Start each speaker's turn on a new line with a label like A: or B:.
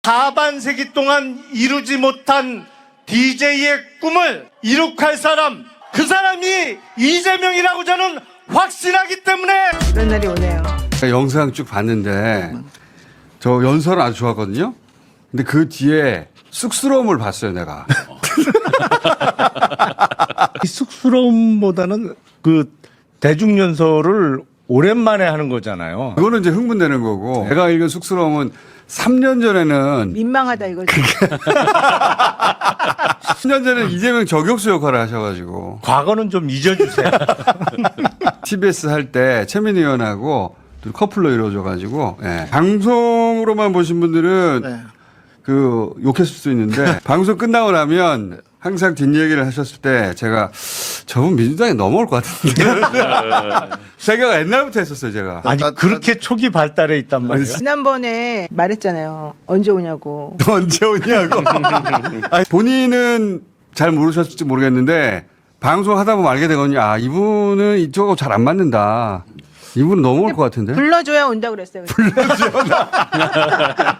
A: 하반세기 동안 이루지 못한 DJ의 꿈을 이룩할 사람, 그 사람이 이재명이라고 저는 확신하기 때문에
B: 그런 날이 오네요.
C: 영상 쭉 봤는데 저 연설은 아주 좋았거든요. 근데 그 뒤에 쑥스러움을 봤어요, 내가.
A: 이 쑥스러움보다는 그 대중연설을 오랜만에 하는 거잖아요.
C: 그거는 이제 흥분되는 거고 내가 읽은 쑥스러움은 3년 전에는
B: 민망하다 이거지.
C: 10년 전에 이재명 저격수 역할을 하셔가지고
A: 과거는 좀 잊어주세요.
C: TBS 할 때 최민희 의원하고 둘 커플로 이루어져가지고 예. 방송으로만 보신 분들은
A: 네.
C: 그 욕했을 수 있는데 방송 끝나고 나면 항상 뒷얘기를 하셨을 때 제가 저분 민주당에 넘어올 것 같은데 생각 옛날부터 했었어요 제가.
A: 아니 그렇게 초기 발달해 있단 말이에요.
B: 지난번에 말했잖아요. 언제 오냐고.
C: 언제 오냐고. 아니, 본인은 잘 모르셨을지 모르겠는데 방송하다 보면 알게 되거든요. 아 이분은 이쪽하고 잘 안 맞는다. 이분은 넘어올 것 같은데.
B: 불러줘야 온다 그랬어요.